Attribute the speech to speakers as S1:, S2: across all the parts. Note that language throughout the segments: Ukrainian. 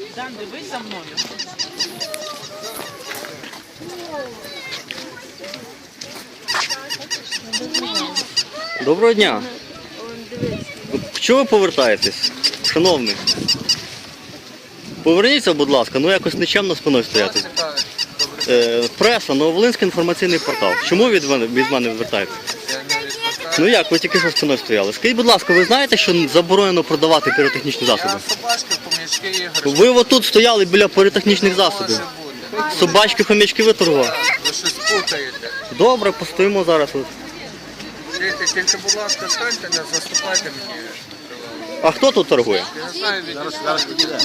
S1: Дан, дивись за мною.
S2: Доброго дня. Чого ви повертаєтесь, шановний? Поверніться, будь ласка, ну якось нечемно спиною стояти. Преса, Нововолинський інформаційний портал. Чому від мене відвертаєтесь? Ну як, ви тільки що спиною стояли. Скажіть, будь ласка, ви знаєте, що заборонено продавати піротехнічні засоби?
S3: Собачки, хомячки, іграшки.
S2: Ви отут стояли біля піротехнічних засобів. Собачки, хомячки ви торгували?
S3: Ви щось путаєте.
S2: Добре, постоїмо зараз.
S3: Тільки, будь ласка, станьте, не заступайте мені.
S2: А хто тут торгує?
S3: Я не знаю, зараз підійде.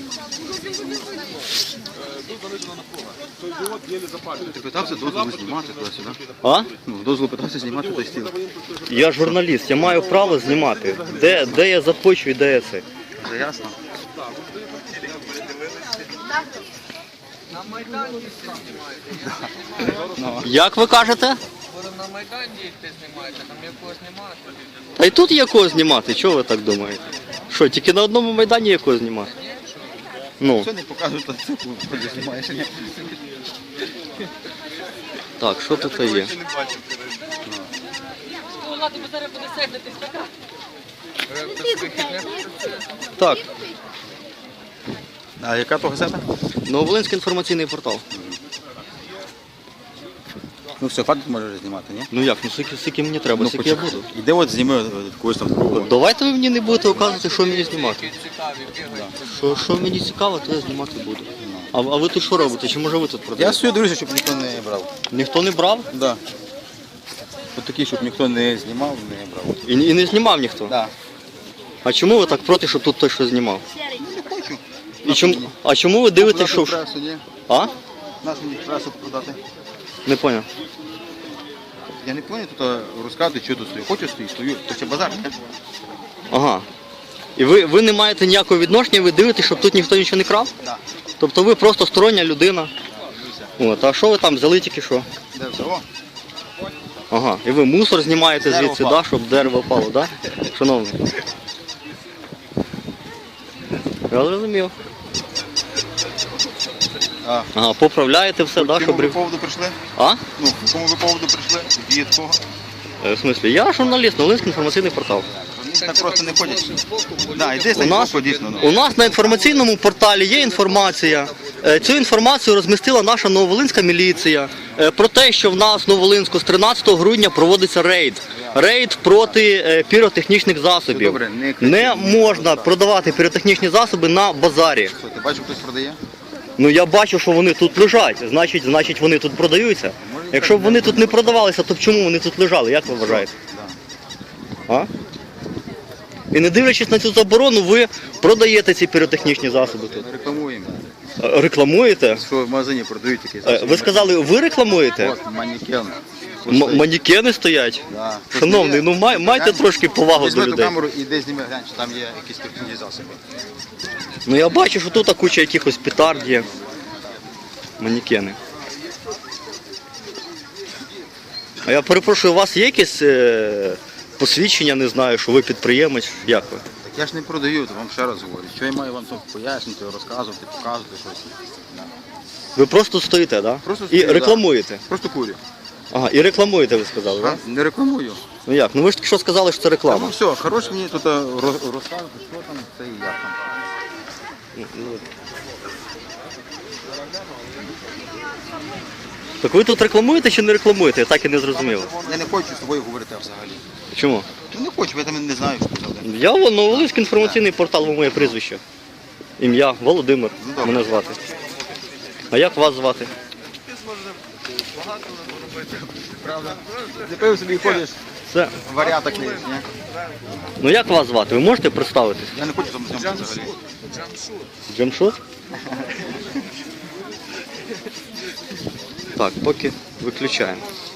S4: Ти питався дозволу знімати туди-сюди?
S2: А?
S4: Ну, дозволу питався знімати той стіл.
S2: Я журналіст, я маю право знімати. Де я захочу і де я це.
S4: Це ясно?
S3: На Майдані їсти знімаєте.
S2: Як ви кажете?
S3: Будемо на Майдані їсти знімаєте, там якого знімати.
S2: Та й тут є кого знімати, чого ви так думаєте? Що, тільки на одному майдані є кого знімати? Ну,
S4: Що не покажуть, то це коли знімаєш.
S2: так, що тут є? Так,
S4: А яка то газета?
S2: Нововолинський інформаційний портал.
S4: Ну все, хватить можеш знімати, ні?
S2: Ну як, ну скільки мені треба, скільки я буду.
S4: Іде от зніми когось там другого.
S2: Давайте ви мені не будете показувати, що мені знімати.
S3: Цікаві, бігають.
S2: Що мені цікаво, то я знімати буду. А ви тут що робите? Чи може ви тут
S4: Я
S2: продаєте?
S4: свою дивлюся, щоб ніхто не брав.
S2: Ніхто не брав?
S4: Да. От такі, щоб ніхто не знімав, не брав.
S2: І не знімав ніхто?
S4: Да.
S2: А чому ви так проти, щоб тут хтось щось знімав?
S4: Не хочу.
S2: А чому ви дивитесь, що...
S4: Пресу, ні?
S2: А?
S4: Нас мені пресу продати.
S2: Не поняв.
S4: Я не повинен тут розказувати, що тут стою. Хочу стою, то це базар. Не?
S2: Ага. І ви не маєте ніякого відношення, ви дивитесь, щоб тут ніхто нічого не крав?
S4: Да.
S2: Тобто ви просто стороння людина. От, а що ви там взяли тільки що?
S4: Де все? О,
S2: Ага. І ви мусор знімаєте
S4: Дерево
S2: звідси,
S4: впало.
S2: да, щоб дерево впало, да? Шановний. Я зрозумів.
S4: а,
S2: Ага, поправляєте все, да,
S4: по
S2: щоб...
S4: якому ви поводу прийшли?
S2: А?
S4: Ну, по якому ви поводу прийшли? Від кого?
S2: В смислі, я журналіст, Нововолинський інформаційний портал.
S4: Так просто не ходять. Да, і десь
S2: У нас,
S4: дійсно.
S2: у нас на інформаційному порталі є інформація. Цю інформацію розмістила наша Нововолинська міліція про те, що в нас в Нововолинську з 13 грудня проводиться рейд. Рейд проти піротехнічних засобів.
S4: Добре, не кричіть.
S2: Не можна продавати піротехнічні засоби на базарі.
S4: Що, ти бачив, хтось продає?
S2: Ну я бачу, що вони тут лежать, значить вони тут продаються. Якщо б вони тут не продавалися, то чому вони тут лежали, як ви вважаєте? А? І не дивлячись на цю заборону, ви продаєте ці піротехнічні засоби тут.
S4: Ми рекламуємо.
S2: Рекламуєте?
S4: Що в магазині продають такі засоби.
S2: Ви сказали, ви рекламуєте?
S4: От, манекен.
S2: Манекени стоять?
S4: Да.
S2: Шановний, ну майте трошки повагу
S4: Візьми
S2: до
S4: ту
S2: людей.
S4: камеру і десь зніми, глянь, чи там є якісь технічні засоби.
S2: Ну я бачу, що тут куча якихось петард є. Манекени. А я перепрошую, у вас є якесь посвідчення, не знаю, що ви підприємець? Як ви?
S4: Так я ж не продаю, то вам ще раз говорю. Що я маю вам тут пояснити, розказувати, показувати щось. Да.
S2: Ви просто стоїте, так? Да?
S4: Просто
S2: І
S4: стою,
S2: рекламуєте?
S4: Просто курю.
S2: Ага, і рекламуєте, ви сказали, так?
S4: Не рекламую.
S2: Ну як? Ну ви ж тільки що сказали, що це
S4: Ну
S2: реклама.
S4: все, хорош мені тут розказувати, що там, це і як там.
S2: Так ви тут рекламуєте чи не рекламуєте? Я так і не зрозумів.
S4: Я не хочу з тобою говорити взагалі.
S2: Чому?
S4: Ну не хочу, я там не знаю, що казати.
S2: Я Нововолинський інформаційний портал, ви моє прізвище. Ім'я Володимир,
S4: Ну, добре.
S2: мене звати. А як вас звати?
S4: Правда? Не пив собі ходиш,
S2: Це.
S4: варіата клеїш, ні?
S2: Ну як вас звати? Ви можете представитись?
S4: Я не хочу там зйомки взагалі.
S2: Джамшут? Так, поки виключаємо.